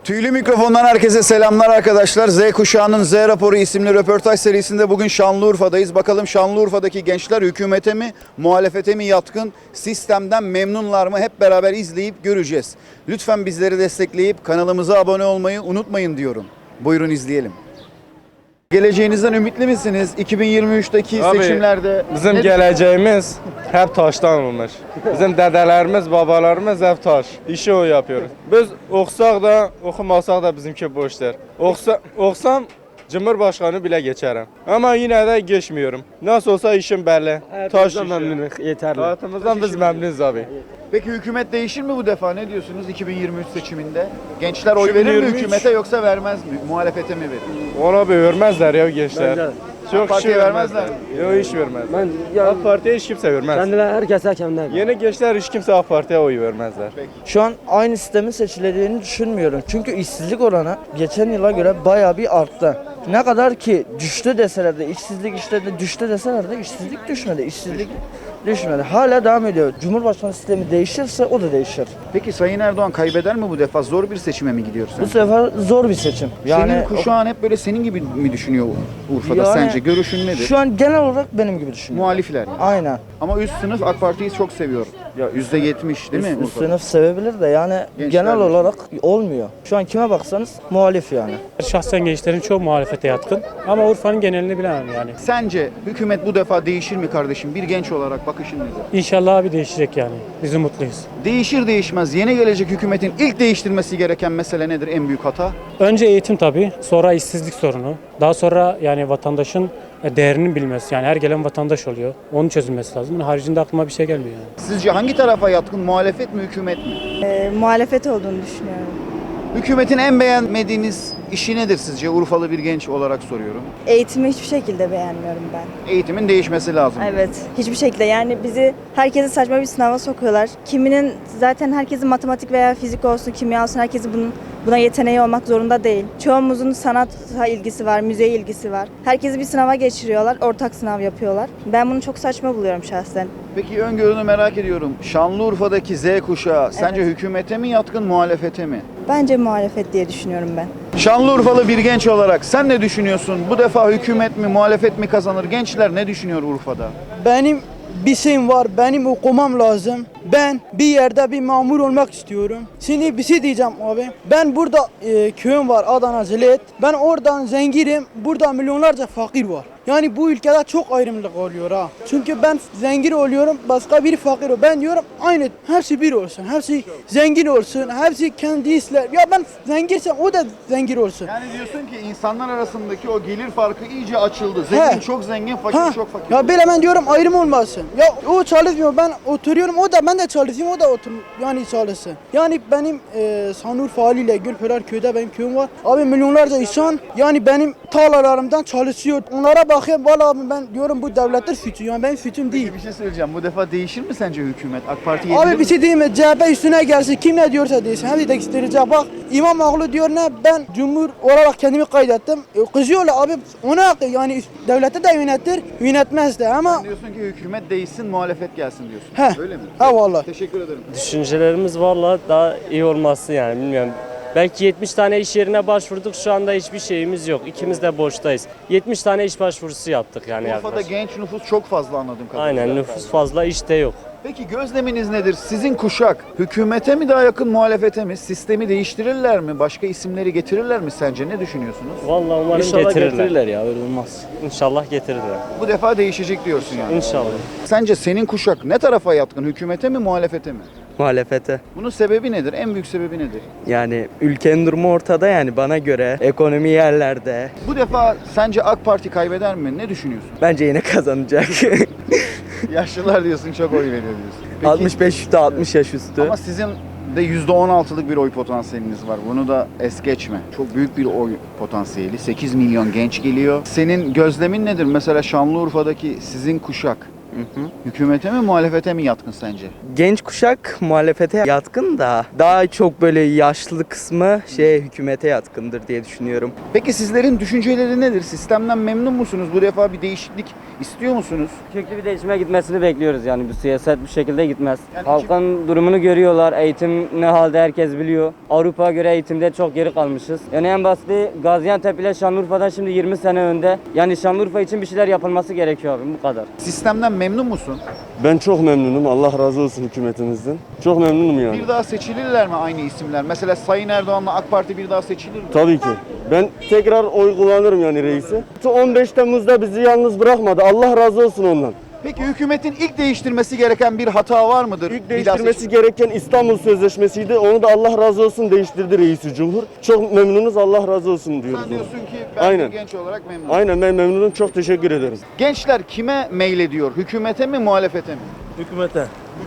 Tüylü mikrofondan herkese selamlar arkadaşlar. Z kuşağının Z raporu isimli röportaj serisinde bugün Şanlıurfa'dayız. Bakalım Şanlıurfa'daki gençler hükümete mi, muhalefete mi yatkın, sistemden memnunlar mı hep beraber izleyip göreceğiz. Lütfen bizleri destekleyip kanalımıza abone olmayı unutmayın diyorum. Buyurun izleyelim. Geleceğinizden ümitli misiniz? 2023'teki Abi, seçimlerde bizim geleceğimiz hep taştan olmuş. Bizim dedelerimiz, babalarımız hep taş. İşi o yapıyoruz. Biz okusak da, okumasak da bizimki boştur. Okusam Cumhurbaşkanı bile geçerim. Ama yine de geçmiyorum. Nasıl olsa işim belli. Taş işi. memnunuz, yeterli. Hayatımızdan biz memnunuz abi. Peki hükümet değişir mi bu defa? Ne diyorsunuz 2023 seçiminde? Gençler oy verir mi 2023? hükümete yoksa vermez mi? Muhalefete mi verir? Ona bir vermezler ya gençler. Bence de. AK Parti'ye vermezler. Yok hiç vermez. Ben ya AK Parti'ye hiç kimse vermez. kendileri herkese kendileri. Yeni gençler hiç kimse AK Parti'ye oy vermezler. Şu an aynı sistemin seçileceğini düşünmüyorum. Çünkü işsizlik oranı geçen yıla göre bayağı bir arttı. Ne kadar ki düştü deseler de, işsizlik işte de düştü deseler de işsizlik düşmedi. İşsizlik düşmedi. Hala devam ediyor. Cumhurbaşkanı sistemi değişirse o da değişir. Peki Sayın Erdoğan kaybeder mi bu defa? Zor bir seçime mi gidiyoruz? Bu sefer zor bir seçim. Senin kuşağın hep böyle senin gibi mi düşünüyor Urfa'da Yani sence? Görüşün nedir? şu an genel olarak benim gibi düşünüyorum. Muhalifler yani. Aynen. Ama üst sınıf AK Parti'yi çok seviyor. Ya %70 değil mi? Üst Urfa'da? sınıf sevebilir de yani Gençler genel de. olarak olmuyor. Şu an kime baksanız muhalif yani. Şahsen gençlerin çoğu muhalefete yatkın ama Urfa'nın genelini bilemem yani. Sence hükümet bu defa değişir mi kardeşim? Bir genç olarak bakışın nedir? İnşallah abi değişecek yani. Biz umutluyuz. Değişir değişmez yeni gelecek hükümetin ilk değiştirmesi gereken mesele nedir? En büyük hata? Önce eğitim tabii, sonra işsizlik sorunu. Daha sonra yani vatandaşın değerini bilmesi. Yani her gelen vatandaş oluyor. Onun çözülmesi lazım. Bunun haricinde aklıma bir şey gelmiyor yani. Sizce hangi tarafa yatkın? Muhalefet mi hükümet mi? Muhalefet olduğunu düşünüyorum. Hükümetin en beğenmediğiniz işi nedir sizce? Urfalı bir genç olarak soruyorum. Eğitimi hiçbir şekilde beğenmiyorum ben. Eğitimin değişmesi lazım. Evet, hiçbir şekilde. Yani bizi herkesi saçma bir sınava sokuyorlar. Kiminin zaten herkesin matematik veya fizik olsun, kimya olsun herkesin buna yeteneği olmak zorunda değil. Çoğumuzun sanata ilgisi var, müziğe ilgisi var. Herkesi bir sınava geçiriyorlar, ortak sınav yapıyorlar. Ben bunu çok saçma buluyorum şahsen. Peki öngörünü merak ediyorum. Şanlıurfa'daki Z kuşağı sence hükümete mi yatkın, muhalefete mi? Bence muhalefet diye düşünüyorum ben. Şanlıurfalı bir genç olarak sen ne düşünüyorsun? Bu defa hükümet mi, muhalefet mi kazanır? Gençler ne düşünüyor Urfa'da? Benim bir şeyim var, benim okumam lazım. Ben bir yerde bir mamur olmak istiyorum. Şimdi bir şey diyeceğim abi. Ben burada köyüm var Adana Zilet. Ben oradan zenginim, burada milyonlarca fakir var. Yani bu ülkede çok ayrımcılık oluyor ha. Çünkü ben zengin oluyorum, başka biri fakir oluyor. Ben diyorum aynı, hepsi bir olsun, hepsi zengin olsun, hepsi kendi ister. Ya ben zenginsem o da zengin olsun. Yani diyorsun ki insanlar arasındaki o gelir farkı iyice açıldı. Zengin çok zengin, fakir Ha, çok fakir. ya böyle ben diyorum ayrım olmasın. Ya o çalışmıyor, ben oturuyorum, o da ben de çalışıyorum, o da yani çalışsın. Yani benim Şanlıurfa haliyle Gülpınar köyde benim köyüm var. Abi milyonlarca insan yani benim tarlalarımdan çalışıyor. Onlara bakıyorum, valla abi ben diyorum bu devletler suçu, yani benim suçum değil. Bir şey söyleyeceğim. Bu defa değişir mi sence hükümet? AK Parti Abi yenilir bir mi? şey diyeyim mi? CHP üstüne gelsin, kim ne diyorsa desin. Hadi değiştirecek. Bak İmamoğlu diyor ne? Ben cumhur olarak kendimi kaydettim. Kızıyorlar abi, ona yani devlette de yönetir, yönetmez de ama Sen diyorsun ki hükümet değişsin, muhalefet gelsin diyorsun. He. Öyle mi? Ha vallahi. Teşekkür ederim. Düşüncelerimiz valla daha iyi olması yani bilmiyorum. Belki 70 tane iş yerine başvurduk, şu anda hiçbir şeyimiz yok. İkimiz de boştayız. 70 tane iş başvurusu yaptık yani Urfa'da yaklaşık. genç nüfus çok fazla anladığım kadarıyla. Aynen, nüfus fazla, işte yok. Peki gözleminiz nedir? Sizin kuşak hükümete mi daha yakın, muhalefete mi? Sistemi değiştirirler mi? Başka isimleri getirirler mi sence? Ne düşünüyorsunuz? Vallahi umarım İnşallah getirirler. ya, öyle olmaz. İnşallah getirirler. Bu defa değişecek diyorsun yani. İnşallah. Sence senin kuşak ne tarafa yatkın? Hükümete mi, muhalefete mi? Muhalefete. Bunun sebebi nedir? En büyük sebebi nedir? Yani ülkenin durumu ortada, yani bana göre ekonomi yerlerde. Bu defa sence AK Parti kaybeder mi? Ne düşünüyorsun? Bence yine kazanacak. Yaşlılar diyorsun, çok oy veriyor diyorsun. Peki, 65 üstü, 60 yaş üstü. ama sizin de %16'lık bir oy potansiyeliniz var. Bunu da es geçme. Çok büyük bir oy potansiyeli. 8 milyon genç geliyor. Senin gözlemin nedir? Mesela Şanlıurfa'daki sizin kuşak Hükümete mi muhalefete mi yatkın sence? Genç kuşak muhalefete yatkın da daha çok böyle yaşlı kısmı hükümete yatkındır diye düşünüyorum. Peki sizlerin düşünceleri nedir? Sistemden memnun musunuz? Bu defa bir değişiklik istiyor musunuz? Köklü bir değişime gitmesini bekliyoruz yani bu siyaset bu şekilde gitmez. Yani Halkın durumunu görüyorlar, eğitim ne halde herkes biliyor. Avrupa'ya göre eğitimde çok geri kalmışız. Yani en basiti Gaziantep ile Şanlıurfa'dan şimdi 20 sene önde. Yani Şanlıurfa için bir şeyler yapılması gerekiyor abi bu kadar. Sistemden memnun musun? Ben çok memnunum. Allah razı olsun hükümetimizden. Çok memnunum yani. Bir daha seçilirler mi aynı isimler? Mesela Sayın Erdoğan'la AK Parti bir daha seçilir mi? Tabii ki. Ben tekrar oy kullanırım yani reisi. 15 Temmuz'da bizi yalnız bırakmadı. Allah razı olsun ondan. Peki hükümetin ilk değiştirmesi gereken bir hata var mıdır? İlk Bir daha değiştirmesi seçim- gereken İstanbul Sözleşmesi'ydi. Onu da Allah razı olsun değiştirdi reisi cumhur. Çok memnunuz. Allah razı olsun diyoruz. Sen diyorsun ki ben Aynen. bir genç olarak memnunum. Aynen ben memnunum. Çok teşekkür ederim. Gençler kime meylediyor? Hükümete mi muhalefete mi? Hükümete.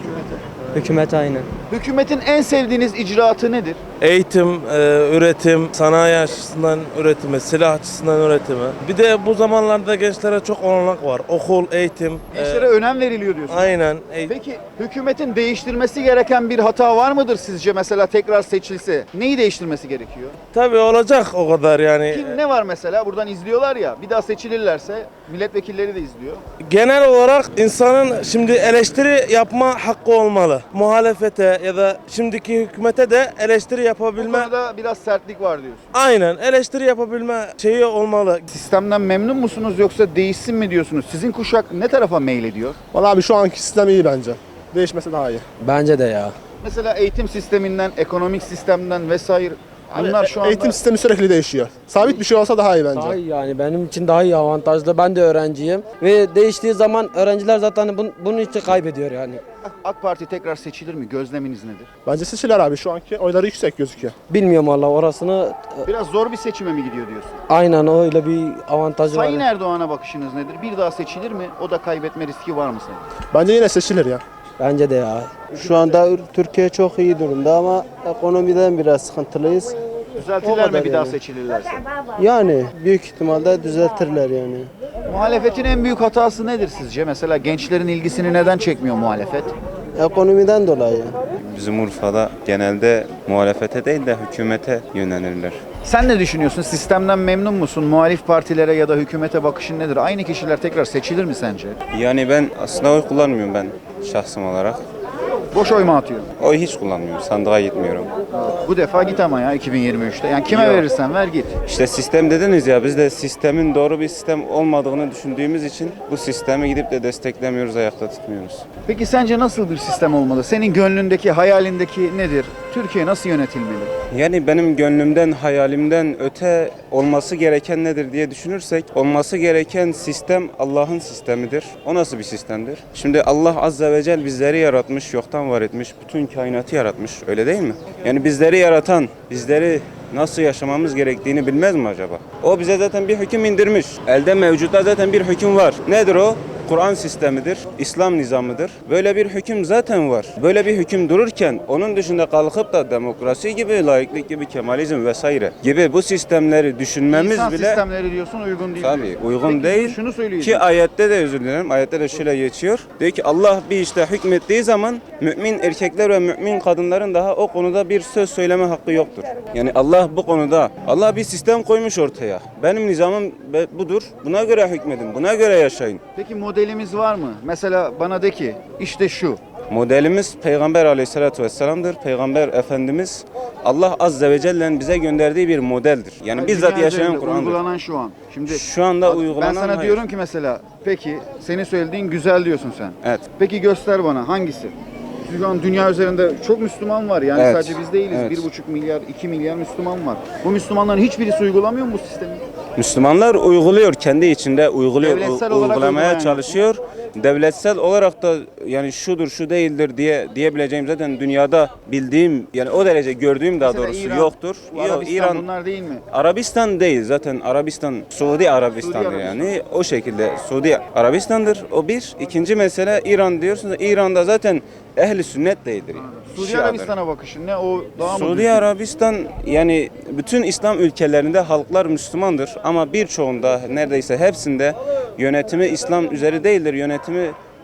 Hükümet aynen. Hükümetin en sevdiğiniz icraatı nedir? Eğitim, üretim, sanayi açısından üretimi, silah açısından üretimi. Bir de bu zamanlarda gençlere çok olanak var. Okul, eğitim. Gençlere önem veriliyor diyorsun. Aynen. Peki hükümetin değiştirmesi gereken bir hata var mıdır sizce mesela tekrar seçilse? Neyi değiştirmesi gerekiyor? Tabii olacak o kadar yani. Kim ne var mesela buradan izliyorlar ya bir daha seçilirlerse milletvekilleri de izliyor. Genel olarak insanın şimdi eleştiri yapma hakkı olmalı. Muhalefete ya da şimdiki hükümete de eleştiri Bu yapabilme. konuda biraz sertlik var diyorsun. Aynen eleştiri yapabilme şeyi olmalı. Sistemden memnun musunuz yoksa değişsin mi diyorsunuz? Sizin kuşak ne tarafa meylediyor? Vallahi abi şu anki sistem iyi bence. Değişmesi daha iyi. Bence de ya. Mesela eğitim sisteminden, ekonomik sistemden vesaire bunlar şu anda... Eğitim sistemi sürekli değişiyor. Sabit bir şey olsa daha iyi bence. Daha iyi yani benim için daha iyi avantajlı. Ben de öğrenciyim ve değiştiği zaman öğrenciler zaten bunun için kaybediyor yani. AK Parti tekrar seçilir mi? Gözleminiz nedir? Bence seçiler abi şu anki oyları yüksek gözüküyor. Bilmiyorum valla orasını Biraz zor bir seçime mi gidiyor diyorsun? aynen öyle bir avantajı Sayın var. Erdoğan'a bakışınız nedir? Bir daha seçilir mi? O da kaybetme riski var mı senin? Bence yine seçilir ya. Bence de ya. Şu anda Türkiye çok iyi durumda ama ekonomiden biraz sıkıntılıyız. Düzeltirler mi kadar bir daha yani. seçilirlerse? Yani büyük ihtimalle düzeltirler yani. Muhalefetin en büyük hatası nedir sizce? Mesela gençlerin ilgisini neden çekmiyor muhalefet? Ekonomiden dolayı. Bizim Urfa'da genelde muhalefete değil de hükümete yönelirler. Sen ne düşünüyorsun? Sistemden memnun musun? Muhalif partilere ya da hükümete bakışın nedir? Aynı kişiler tekrar seçilir mi sence? Yani ben aslında oy kullanmıyorum ben şahsım olarak. Boş oy mu atıyorsun? Oy hiç kullanmıyorum. Sandığa gitmiyorum. Bu defa git ama ya 2023'te. Yani kime Yok. verirsen ver git. İşte sistem dediniz ya biz de sistemin doğru bir sistem olmadığını düşündüğümüz için bu sistemi gidip de desteklemiyoruz, ayakta tutmuyoruz. Peki sence nasıl bir sistem olmalı? Senin gönlündeki, hayalindeki nedir? Türkiye nasıl yönetilmeli? Yani benim gönlümden, hayalimden öte olması gereken nedir diye düşünürsek olması gereken sistem Allah'ın sistemidir. O nasıl bir sistemdir? Şimdi Allah Azze ve Celle bizleri yaratmış, yoktan var etmiş, bütün kainatı yaratmış. Öyle değil mi? Yani bizleri yaratan, bizleri nasıl yaşamamız gerektiğini bilmez mi acaba? O bize zaten bir hüküm indirmiş. Elde mevcutta zaten bir hüküm var. Nedir o? Kur'an sistemidir, İslam nizamıdır. Böyle bir hüküm zaten var. Böyle bir hüküm dururken onun dışında kalkıp da demokrasi gibi, laiklik gibi, kemalizm vesaire gibi bu sistemleri düşünmemiz İnsan bile sistemleri diyorsun uygun değil. tabii diyorsun. uygun Peki, değil. Şunu söyleyeyim. Ki ayette de özür dilerim. Ayette de şöyle geçiyor. Diyor ki Allah bir işte hükmettiği zaman mümin erkekler ve mümin kadınların daha o konuda bir söz söyleme hakkı yoktur. Yani Allah bu konuda Allah bir sistem koymuş ortaya. Benim nizamım budur. Buna göre hükmedin. Buna göre yaşayın. Peki modelimiz var mı? Mesela bana de ki işte şu. Modelimiz Peygamber Aleyhisselatü Vesselam'dır. Peygamber Efendimiz Allah Azze ve Celle'nin bize gönderdiği bir modeldir. Yani bizzat Dünya yaşayan üzerinde Kur'an'dır. Uygulanan şu an. Şimdi Şu anda ben uygulanan sana hayır. diyorum ki mesela peki senin söylediğin güzel diyorsun sen. Evet. Peki göster bana hangisi? Şu an dünya üzerinde çok Müslüman var yani Evet. sadece biz değiliz. Evet. 1,5 milyar, 2 milyar Müslüman var. Bu Müslümanların hiçbirisi uygulamıyor mu bu sistemi? Müslümanlar uyguluyor, kendi içinde uyguluyor, Devletsel olarak uygulamaya uygulayan çalışıyor. Devletsel olarak da yani şudur, şu değildir diyebileceğim zaten dünyada bildiğim yani o derece gördüğüm daha Mesela doğrusu İran, yoktur. bu Yok, Arabistan İran, bunlar değil mi? Arabistan değil zaten Arabistan, Suudi Arabistan'dır Suudi yani o şekilde Suudi Arabistan'dır o bir. İkinci mesele İran diyorsunuz İran'da zaten ehli sünnet değildir. Yani. Suudi Şiadır. Arabistan'a bakışın ne o daha mı Suudi düzgün? Arabistan yani bütün İslam ülkelerinde halklar Müslümandır ama birçoğunda neredeyse hepsinde yönetimi İslam üzeri değildir. Yönetimi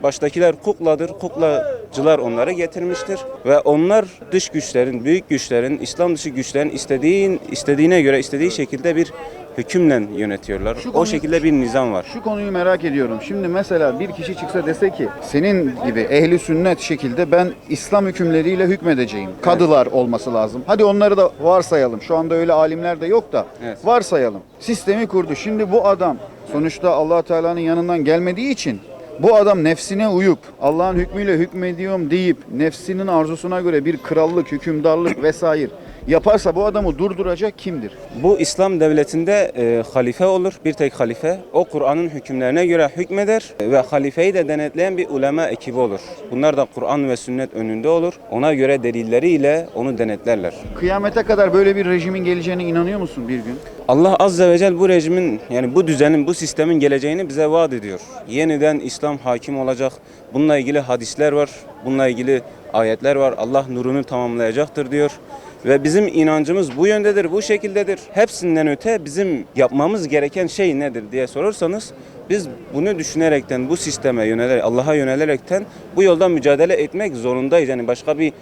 Baştakiler kukladır. Kuklacılar onları getirmiştir ve onlar dış güçlerin, büyük güçlerin, İslam dışı güçlerin istediğine göre istediği şekilde bir hükümle yönetiyorlar. O şekilde bir nizam var. Şu konuyu merak ediyorum. Şimdi mesela bir kişi çıksa dese ki senin gibi ehli sünnet şekilde ben İslam hükümleriyle hükmedeceğim. Kadılar olması lazım. Hadi onları da varsayalım. Şu anda öyle alimler de yok da varsayalım. Sistemi kurdu. Şimdi bu adam sonuçta Allah Teala'nın yanından gelmediği için bu adam nefsine uyup Allah'ın hükmüyle hükmediyorum deyip nefsinin arzusuna göre bir krallık, hükümdarlık vesaire yaparsa bu adamı durduracak kimdir? Bu İslam devletinde halife olur, bir tek halife. O Kur'an'ın hükümlerine göre hükmeder ve halifeyi de denetleyen bir ulema ekibi olur. Bunlar da Kur'an ve sünnet önünde olur. Ona göre delilleriyle onu denetlerler. Kıyamete kadar böyle bir rejimin geleceğine inanıyor musun bir gün? Allah Azze ve Celle bu rejimin, yani bu düzenin, bu sistemin geleceğini bize vaat ediyor. Yeniden İslam hakim olacak. Bununla ilgili hadisler var, bununla ilgili ayetler var. Allah nurunu tamamlayacaktır diyor. Ve bizim inancımız bu yöndedir, bu şekildedir. Hepsinden öte bizim yapmamız gereken şey nedir diye sorarsanız biz bunu düşünerekten, bu sisteme yönelerek, Allah'a yönelerekten bu yolda mücadele etmek zorundayız. Yani başka bir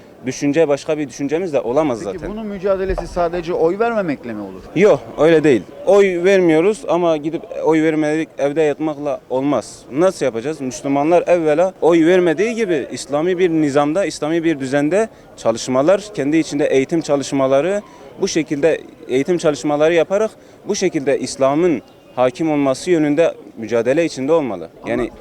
düşüncemiz de olamaz zaten. Peki bunun mücadelesi sadece oy vermemekle mi olur? Yok, öyle değil. Oy vermiyoruz ama gidip oy vermedik evde yatmakla olmaz. Nasıl yapacağız? Müslümanlar evvela oy vermediği gibi İslami bir nizamda, İslami bir düzende çalışmalar, kendi içinde eğitim çalışmaları, bu şekilde eğitim çalışmaları yaparak bu şekilde İslam'ın hakim olması yönünde mücadele içinde olmalı. Yani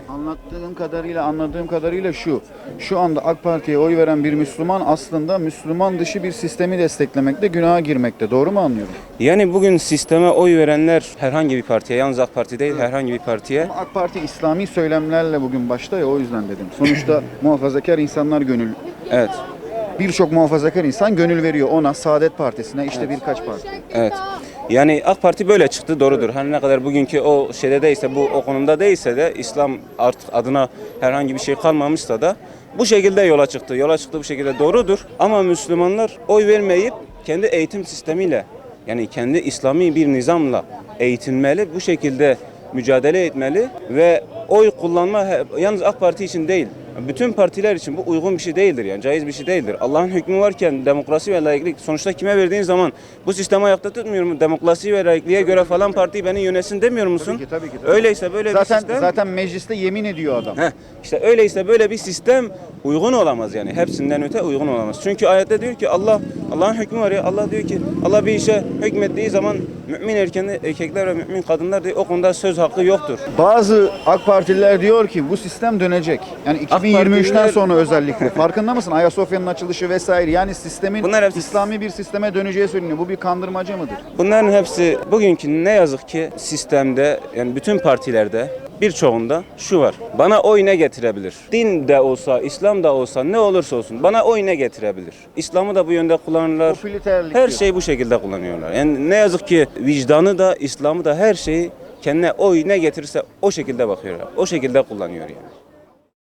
Anladığım kadarıyla şu anda AK Parti'ye oy veren bir Müslüman aslında Müslüman dışı bir sistemi desteklemekte, günaha girmekte. Doğru mu anlıyorum? Yani bugün sisteme oy verenler herhangi bir partiye, yalnız AK Parti değil, herhangi bir partiye. Ama AK Parti İslami söylemlerle bugün başta ya, o yüzden dedim. Sonuçta muhafazakar insanlar gönül. Evet. Birçok muhafazakar insan gönül veriyor ona, Saadet Partisi'ne, işte birkaç parti. Evet. Yani AK Parti böyle çıktı, doğrudur. Hani ne kadar bugünkü o şeyde değilse, o konumda değilse de İslam artık adına herhangi bir şey kalmamışsa da bu şekilde yola çıktı. Yola çıktı bu şekilde doğrudur. Ama Müslümanlar oy vermeyip kendi eğitim sistemiyle, yani kendi İslami bir nizamla eğitilmeli, bu şekilde mücadele etmeli ve oy kullanma yalnız AK Parti için değil, bütün partiler için bu uygun bir şey değildir, yani caiz bir şey değildir. Allah'ın hükmü varken demokrasi ve laiklik sonuçta kime verdiğin zaman bu sistemi ayakta tutmuyor mu? Demokrasi ve laikliğe göre falan parti beni yönetsin demiyor musun? Tabii ki. Öyleyse böyle bir sistem. Zaten mecliste yemin ediyor adam. İşte öyleyse böyle bir sistem uygun olamaz yani. Hepsinden öte uygun olamaz. Çünkü ayette diyor ki Allah'ın hükmü var ya. Allah diyor ki Allah bir işe hükmettiği zaman mümin erkekler ve mümin kadınlar diyor o konuda söz hakkı yoktur. Bazı AK Partililer diyor ki bu sistem dönecek. Yani 2023'ten sonra özellikle. Farkında mısın? Ayasofya'nın açılışı vesaire. Yani sistemin İslami bir sisteme döneceği söyleniyor. Bu bir kandırmaca mıdır? Bunların hepsi bugünkü ne yazık ki sistemde, yani bütün partilerde birçoğunda şu var. Bana oy ne getirebilir? Din de olsa, İslam da olsa, ne olursa olsun bana oy ne getirebilir? İslam'ı da bu yönde kullanırlar. Her şeyi bu şekilde kullanıyorlar. Yani ne yazık ki vicdanı da, İslam'ı da, her şeyi kendine oy ne getirirse o şekilde bakıyorlar. O şekilde kullanıyor yani.